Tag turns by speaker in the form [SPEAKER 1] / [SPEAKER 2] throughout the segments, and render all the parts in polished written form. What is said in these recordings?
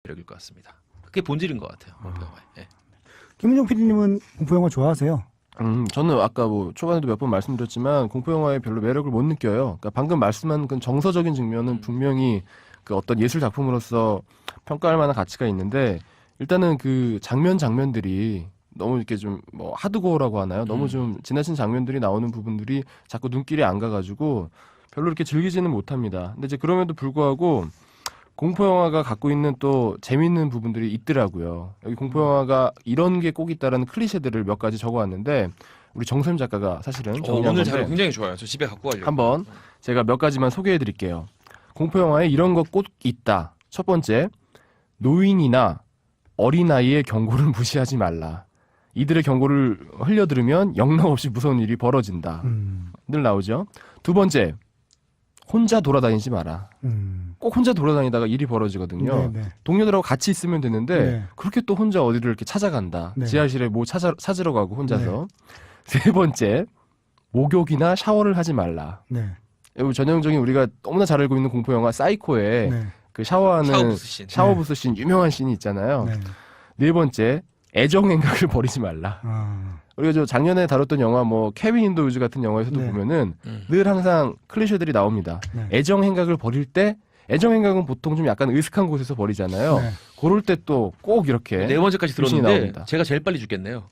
[SPEAKER 1] 매력일 것 같습니다. 그게 본질인 것 같아요. 공포 영화의. 예.
[SPEAKER 2] 김은정 PD님은 공포 영화 좋아하세요?
[SPEAKER 3] 저는 아까 뭐 초반에도 몇 번 말씀드렸지만 공포 영화에 별로 매력을 못 느껴요. 그러니까 방금 말씀한 그 정서적인 측면은 분명히 그 어떤 예술 작품으로서 평가할 만한 가치가 있는데 일단은 그 장면들이 너무 이렇게 좀 뭐 하드코어라고 하나요? 너무 좀 지나친 장면들이 나오는 부분들이 자꾸 눈길이 안 가가지고 별로 이렇게 즐기지는 못합니다. 근데 이제 그럼에도 불구하고 공포 영화가 갖고 있는 또 재밌는 부분들이 있더라고요. 여기 공포 영화가 이런 게 꼭 있다라는 클리셰들을 몇 가지 적어왔는데 우리 정선 작가가 사실은 정리한
[SPEAKER 1] 오늘
[SPEAKER 3] 건데
[SPEAKER 1] 자료 굉장히 좋아요. 저 집에 갖고 가려고.
[SPEAKER 3] 한번 제가 몇 가지만 소개해드릴게요. 공포 영화에 이런 거 꼭 있다. 첫 번째, 노인이나 어린아이의 경고를 무시하지 말라. 이들의 경고를 흘려들으면 영락없이 무서운 일이 벌어진다. 늘 나오죠. 두 번째, 혼자 돌아다니지 마라. 꼭 혼자 돌아다니다가 일이 벌어지거든요.
[SPEAKER 2] 네, 네.
[SPEAKER 3] 동료들하고 같이 있으면 되는데
[SPEAKER 2] 네.
[SPEAKER 3] 그렇게 또 혼자 어디를 이렇게 찾아간다.
[SPEAKER 2] 네.
[SPEAKER 3] 지하실에 뭐 찾으러 가고 혼자서. 세 번째, 목욕이나 샤워를 하지 말라.
[SPEAKER 2] 네.
[SPEAKER 3] 여기 전형적인 우리가 너무나 잘 알고 있는 공포 영화 사이코의
[SPEAKER 2] 네.
[SPEAKER 3] 그 샤워하는
[SPEAKER 1] 샤워부스 씬.
[SPEAKER 3] 샤워부스 씬 유명한 씬이 있잖아요.
[SPEAKER 2] 네.
[SPEAKER 3] 네 번째, 애정 행각을 버리지 말라. 우리가 저 작년에 다뤘던 영화 뭐 케빈 인더 우즈 같은 영화에서도
[SPEAKER 2] 네.
[SPEAKER 3] 보면은 늘 항상 클리셰들이 나옵니다.
[SPEAKER 2] 네.
[SPEAKER 3] 애정 행각을 버릴 때 애정 행각은 보통 좀 약간 으슥한 곳에서 버리잖아요.
[SPEAKER 2] 네.
[SPEAKER 3] 그럴 때 또 꼭 이렇게
[SPEAKER 1] 네 번째까지
[SPEAKER 3] 귀신이
[SPEAKER 1] 들었는데
[SPEAKER 3] 나옵니다.
[SPEAKER 1] 제가 제일 빨리 죽겠네요.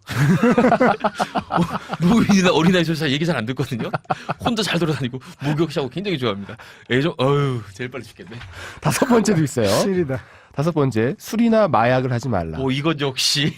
[SPEAKER 1] 노인이나 어린아이 저 얘기 잘 안 듣거든요. 혼자 잘 돌아다니고 목욕 샤워 굉장히 좋아합니다. 애정 제일 빨리 죽겠네.
[SPEAKER 3] 다섯 번째도 있어요.
[SPEAKER 2] 실이다.
[SPEAKER 3] 다섯 번째, 술이나 마약을 하지 말라.
[SPEAKER 1] 이건 역시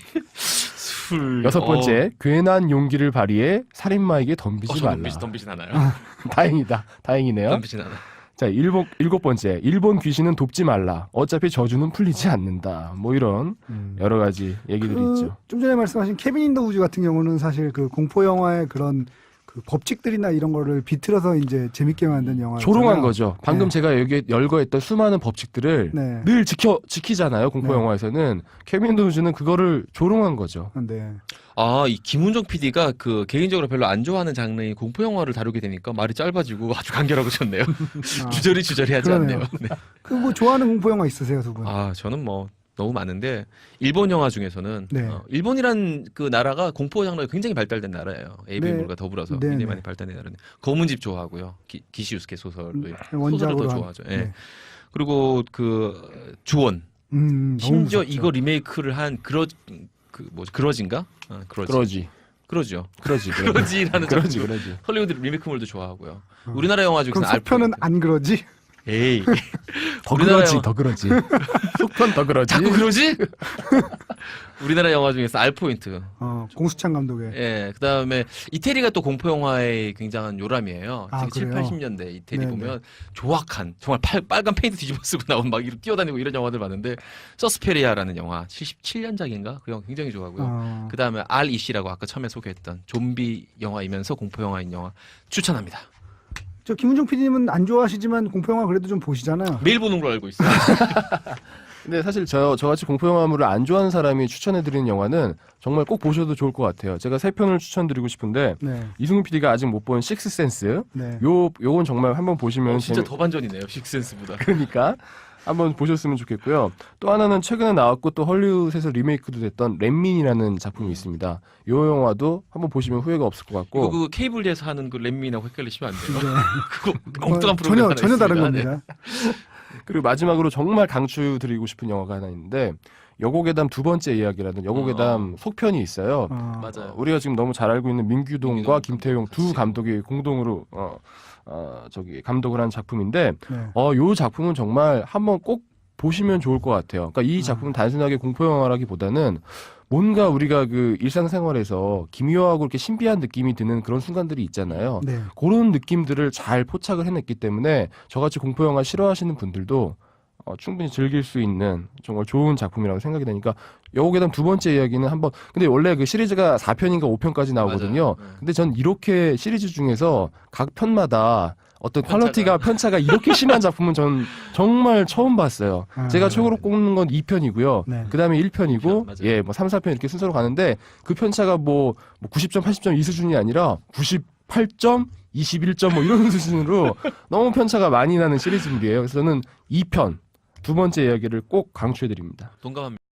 [SPEAKER 1] 술.
[SPEAKER 3] 여섯 번째, 괜한 용기를 발휘해 살인마에게 덤비지 말라.
[SPEAKER 1] 덤비진 않아요.
[SPEAKER 3] 다행이네요.
[SPEAKER 1] 덤비진 않아.
[SPEAKER 3] 자, 일곱 번째, 일본 귀신은 돕지 말라. 어차피 저주는 풀리지 않는다. 뭐 이런 여러 가지 얘기들이 있죠.
[SPEAKER 2] 좀 전에 말씀하신 케빈 인더 우즈 같은 경우는 사실 그 공포 영화의 그런 그 법칙들이나 이런 거를 비틀어서 이제 재밌게 만든 영화.
[SPEAKER 3] 조롱한 거죠. 방금
[SPEAKER 2] 네.
[SPEAKER 3] 제가 여기 열거했던 수많은 법칙들을
[SPEAKER 2] 네.
[SPEAKER 3] 늘 지키잖아요. 공포
[SPEAKER 2] 네.
[SPEAKER 3] 영화에서는. 케빈 도우즈는 그거를 조롱한 거죠.
[SPEAKER 2] 네.
[SPEAKER 1] 이 김훈정 PD가 그 개인적으로 별로 안 좋아하는 장르인 공포 영화를 다루게 되니까 말이 짧아지고 아주 간결하고 좋네요. 주저리 하지
[SPEAKER 2] 그러네요.
[SPEAKER 1] 않네요. 네.
[SPEAKER 2] 그 뭐 좋아하는 공포 영화 있으세요, 두 분?
[SPEAKER 1] 저는 뭐 너무 많은데 일본 영화 중에서는
[SPEAKER 2] 네.
[SPEAKER 1] 일본이란 그 나라가 공포 장르가 굉장히 발달된 나라예요. ABM물과 더불어서
[SPEAKER 2] 네,
[SPEAKER 1] 굉장히
[SPEAKER 2] 네.
[SPEAKER 1] 많이 발달된 나라인데 검은집 좋아하고요. 기시우스케 소설을
[SPEAKER 2] 원작으로
[SPEAKER 1] 더
[SPEAKER 2] 한-
[SPEAKER 1] 좋아하죠. 예.
[SPEAKER 2] 네.
[SPEAKER 1] 그리고 그 주원
[SPEAKER 2] 너무
[SPEAKER 1] 심지어
[SPEAKER 2] 무섭죠.
[SPEAKER 1] 이거 리메이크를 한 그러지인가? 그러죠. 그러지라는
[SPEAKER 3] 그러지.
[SPEAKER 1] 작품도 헐리우드 리메이크물도 좋아하고요. 우리나라 영화 중에서는
[SPEAKER 2] 그럼 속편은
[SPEAKER 1] 알프레드.
[SPEAKER 2] 안 그러지?
[SPEAKER 1] 에이
[SPEAKER 3] 더
[SPEAKER 1] 우리나라
[SPEAKER 3] 그러지,
[SPEAKER 1] 영화-
[SPEAKER 3] 더 그러지. 속편 더 그러지.
[SPEAKER 1] 자꾸 그러지? 우리나라 영화 중에서 알포인트.
[SPEAKER 2] 공수찬 감독의.
[SPEAKER 1] 예, 그다음에 이태리가 또 공포 영화의 굉장한 요람이에요.
[SPEAKER 2] 아,
[SPEAKER 1] 특히 7,
[SPEAKER 2] 그래요?
[SPEAKER 1] 80년대 이태리
[SPEAKER 2] 네네.
[SPEAKER 1] 보면 조악한 정말 빨간 페인트 뒤집어 쓰고 나온 막 이렇게 뛰어다니고 이런 영화들 봤는데 서스페리아라는 영화 77년작인가? 그 영화 굉장히 좋아하고요. 그다음에 알이시라고 아까 처음에 소개했던 좀비 영화이면서 공포 영화인 영화 추천합니다.
[SPEAKER 2] 저 김은정 PD님은 안 좋아하시지만 공포 영화 그래도 좀 보시잖아요.
[SPEAKER 1] 매일 보는 걸로 알고 있어요.
[SPEAKER 3] 근데 사실 저같이 공포 영화물을 안 좋아하는 사람이 추천해드리는 영화는 정말 꼭 보셔도 좋을 것 같아요. 제가 세 편을 추천드리고 싶은데
[SPEAKER 2] 네.
[SPEAKER 3] 이승훈 PD가 아직 못 본 식스센스.
[SPEAKER 2] 네.
[SPEAKER 3] 요건 정말 한번 보시면
[SPEAKER 1] 진짜 더 반전이네요. 식센스보다.
[SPEAKER 3] 그러니까 한번 보셨으면 좋겠고요. 또 하나는 최근에 나왔고 또 헐리우드에서 리메이크도 됐던 렛민이라는 작품이 있습니다. 요 영화도 한번 보시면 후회가 없을 것 같고.
[SPEAKER 1] 이거 그 케이블에서 하는 그 렛민하고 헷갈리시면 안 돼요.
[SPEAKER 2] 네.
[SPEAKER 1] 그거 엉뚱한 프로그램 하나
[SPEAKER 2] 전혀 다른
[SPEAKER 1] 있습니다. 네.
[SPEAKER 2] 겁니다.
[SPEAKER 3] 그리고 마지막으로 정말 강추드리고 싶은 영화가 하나 있는데 여고괴담 두 번째 이야기라는 여고괴담 속편이 있어요.
[SPEAKER 1] 맞아요.
[SPEAKER 3] 우리가 지금 너무 잘 알고 있는 민규동과
[SPEAKER 1] 민규동
[SPEAKER 3] 김태용 두
[SPEAKER 1] 같이.
[SPEAKER 3] 감독이 공동으로 감독을 한 작품인데
[SPEAKER 2] 네.
[SPEAKER 3] 요 작품은 정말 한번 꼭 보시면 좋을 것 같아요. 그러니까 이 작품은 단순하게 공포 영화라기보다는 뭔가 우리가 그 일상생활에서 기묘하고 이렇게 신비한 느낌이 드는 그런 순간들이 있잖아요.
[SPEAKER 2] 네.
[SPEAKER 3] 그런 느낌들을 잘 포착을 해냈기 때문에 저같이 공포 영화 싫어하시는 분들도 충분히 즐길 수 있는 정말 좋은 작품이라고 생각이 되니까 여고괴담 두 번째 이야기는 한번 근데 원래 그 시리즈가 4편인가 5편까지 나오거든요.
[SPEAKER 1] 맞아요. 네.
[SPEAKER 3] 근데 전 이렇게 시리즈 중에서 각 편마다 어떤 편차가 이렇게 심한 작품은 전 정말 처음 봤어요. 제가 최고로 꼽는 건 2편이고요.
[SPEAKER 2] 네.
[SPEAKER 3] 그다음에 1편이고
[SPEAKER 1] 맞아요.
[SPEAKER 3] 예, 뭐 3, 4편 이렇게 순서로 가는데 그 편차가 뭐 90점, 80점 이 수준이 아니라 98점, 21점 뭐 이런 수준으로 너무 편차가 많이 나는 시리즈물이에요. 그래서 저는 2편 두 번째 이야기를 꼭 강추해드립니다.
[SPEAKER 1] 동감합니다.